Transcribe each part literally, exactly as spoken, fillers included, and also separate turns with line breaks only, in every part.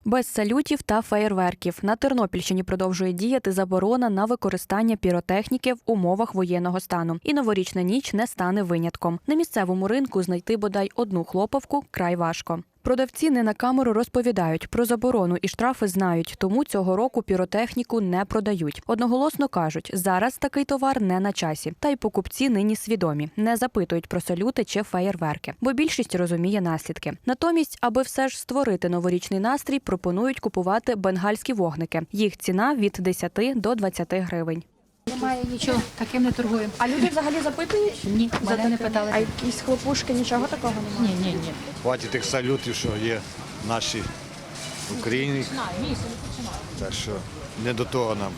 Без салютів та феєрверків на Тернопільщині продовжує діяти заборона на використання піротехніки в умовах воєнного стану. І новорічна ніч не стане винятком. На місцевому ринку знайти бодай одну хлопавку край важко. Продавці не на камеру розповідають, про заборону і штрафи знають, тому цього року піротехніку не продають. Одноголосно кажуть, зараз такий товар не на часі. Та й покупці нині свідомі, не запитують про салюти чи феєрверки, бо більшість розуміє наслідки. Натомість, аби все ж створити новорічний настрій, пропонують купувати бенгальські вогники. Їх ціна від десяти до двадцяти гривень.
Немає нічого, таким не торгуємо.
А люди взагалі запитують?
Ні, мене не питали.
А якісь хлопушки, нічого такого немає?
Ні, ні, ні.
Хватить тих салютів, що є наші в Україні. Так що не до того нам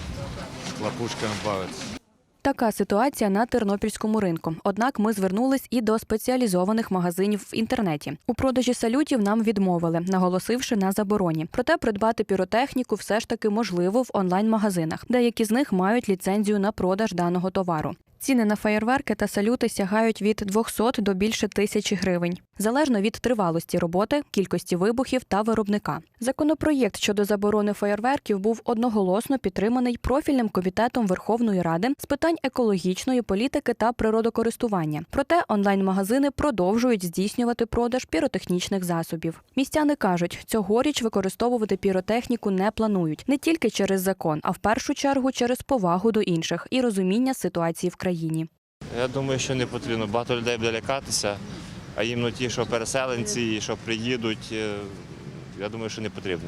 з хлопушками бавитися.
Така ситуація на тернопільському ринку. Однак ми звернулись і до спеціалізованих магазинів в інтернеті. У продажі салютів нам відмовили, наголосивши на забороні. Проте придбати піротехніку все ж таки можливо в онлайн-магазинах. Деякі з них мають ліцензію на продаж даного товару. Ціни на феєрверки та салюти сягають від двохсот до більше тисячі гривень. Залежно від тривалості роботи, кількості вибухів та виробника. Законопроєкт щодо заборони феєрверків був одноголосно підтриманий профільним комітетом Верховної Ради з питань екологічної політики та природокористування. Проте онлайн-магазини продовжують здійснювати продаж піротехнічних засобів. Містяни кажуть, цьогоріч використовувати піротехніку не планують. Не тільки через закон, а в першу чергу через повагу до інших і розуміння ситуації в країні.
Я думаю, що не потрібно. Багато людей буде лякатися, а їм ну, ті, що переселенці, що приїдуть, я думаю, що не потрібно.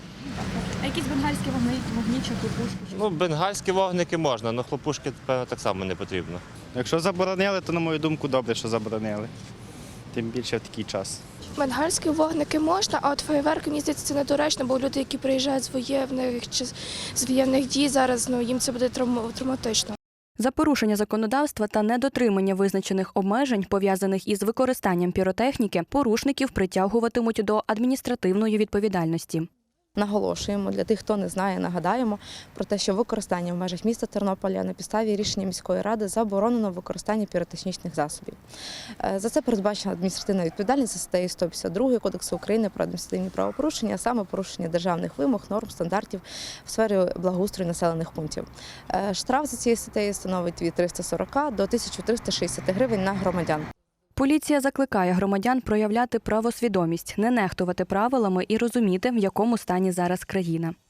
А якісь бенгальські вогні, вогні чи хлопушки?
Ну, бенгальські вогники можна, але хлопушки, певно, так само не потрібно.
Якщо заборонили, то, на мою думку, добре, що заборонили. Тим більше в такий час.
Бенгальські вогники можна, а от феєрверки, мені здається, це недоречно, бо люди, які приїжджають з воєнних чи з воєнних дій зараз, ну їм це буде травматично.
За порушення законодавства та недотримання визначених обмежень, пов'язаних із використанням піротехніки, порушників притягуватимуть до адміністративної відповідальності.
Наголошуємо, для тих, хто не знає, нагадаємо про те, що використання в межах міста Тернополя на підставі рішення міської ради заборонено використання піротехнічних засобів. За це передбачена адміністративна відповідальність за статтею сто п'ятдесят два Кодексу України про адміністративні правопорушення, а саме порушення державних вимог, норм, стандартів в сфері благоустрою населених пунктів. Штраф за цією статтею становить від триста сорока до тисячі трьохсот шістдесят гривень на громадян.
Поліція закликає громадян проявляти правосвідомість, не нехтувати правилами і розуміти, в якому стані зараз країна.